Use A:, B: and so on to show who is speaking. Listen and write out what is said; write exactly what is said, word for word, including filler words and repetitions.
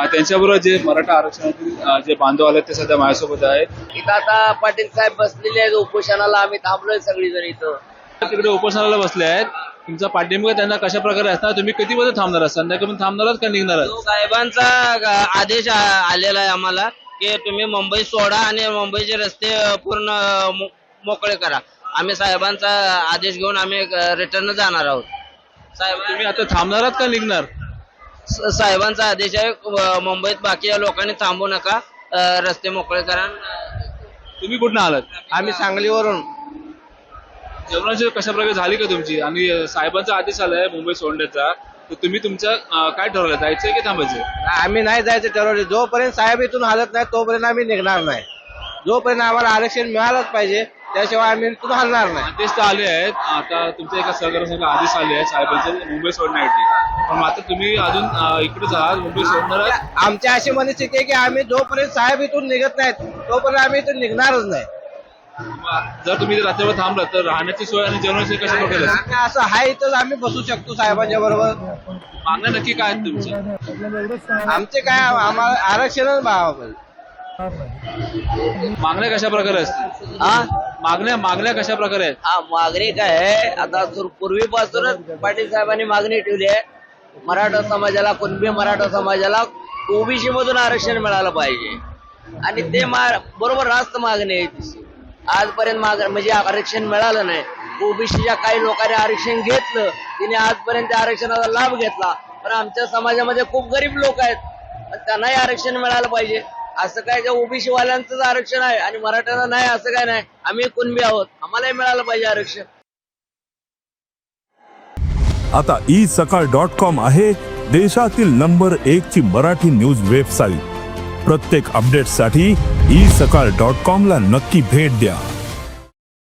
A: त्यांच्याबरोबर जे मराठा आरक्षणातील अ, जे बांधव आले ते सध्या माझ्यासोबत आहेत.
B: इथं आता पाटील साहेब बसलेले आहेत उपोषणाला, आम्ही थांबलोय सगळीजण इथं.
A: तिकडे उपोषणाला बसले आहेत. तुमचा पाठिंबा त्यांना कशा प्रकारे असणार, तुम्ही किती वाजता थांबणार आहात, संध्याकाळी थांबणार आहात का निघणार आहात?
B: साहेबांचा ग- आदेश आ- आलेला आहे आम्हाला की तुम्ही मुंबई सोडा आणि मुंबईचे रस्ते अ, पूर्ण अ, मो- मोकळे करा. आम्ही साहेबांचा आदेश घेऊन आम्ही रिटर्न जाणार आहोत. साहेब
A: तुम्ही आता थांबणार आहात का निघणार?
B: स- साहेबांचा आदेश आहे अ, मुंबईत बाकी या लोकांनी थांबू नका, अ, रस्ते मोकळे करा.
A: तुम्ही कुठं आलात?
B: आम्ही सांगलीवरून.
A: जेवणाची कशा प्रकारे झाली का तुमची? आणि अ, साहेबांचा आदेश आलाय मुंबई सोडण्याचा, तर तुम्ही तुमचं अ, काय ठरवलं, जायचंय की थांबायचंय?
B: आम्ही नाही जायचं ठरवले. जोपर्यंत साहेब इथून हलत नाही तोपर्यंत आम्ही निघणार नाही. जोपर्यंत आम्हाला आरक्षण मिळालंच पाहिजे, त्याशिवाय आम्ही इथून हलणार नाही.
A: आदेश तर आले आहेत. आता तुमच्या एका सहकार्यासाठी आदेश आले आहेत साहेबांचे मुंबई सोडण्यासाठी, पण आता तुम्ही अजून अ, इकडेच आहात, मुंबई सोडणार आहात?
B: आमची अशी मनस्थिती आहे की आम्ही जोपर्यंत साहेब इथून निघत नाहीत तोपर्यंत आम्ही इथून निघणारच नाही.
A: जर तुम्ही रात्रभर थांबलात तर राहण्याची सोय आणि जेवणाची कशा प्रकारे असेल?
B: आम्ही असं हाय इथं आम्ही बसू शकतो साहेबांच्या बरोबर.
A: मागण्या नक्की काय आहेत तुमच्या?
B: आमचे काय आम्हाला आरक्षणच भाव.
A: मागण्या कशा प्रकारे असतील?
B: हा
A: मागण्या मागण्या कशा प्रकारे आहेत?
B: हा मागणी काय आहे, आता सुर- पूर्वीपासूनच पाटील साहेबांनी मागणी ठेवली आहे. मराठा समाजाला, कुणबी मराठा समाजाला ओबीसी मधून आरक्षण मिळालं पाहिजे आणि ते मा- बरोबर रास्त मागणी आहे तिची. आजपर्यंत माग म्हणजे आरक्षण मिळालं नाही. ओबीसीच्या काही लोकांनी आरक्षण घेतलं, तिने आजपर्यंत त्या आरक्षणाचा लाभ घेतला. पण आमच्या समाजामध्ये खूप गरीब लोक आहेत, पण त्यांनाही आरक्षण मिळालं पाहिजे. असं काय जे ओबीसी वाल्यांचंच आरक्षण आहे आणि मराठ्यांना नाही असं काय नाही. आम्ही कुणबी आहोत, आम्हालाही मिळालं पाहिजे आरक्षण.
C: आता ई सकाळ डॉट कॉम आहे देशातील नंबर एक ची मराठी न्यूज वेबसाईट. प्रत्येक अपडेटसाठी ई सकाळ डॉट कॉम ला नक्की भेट द्या.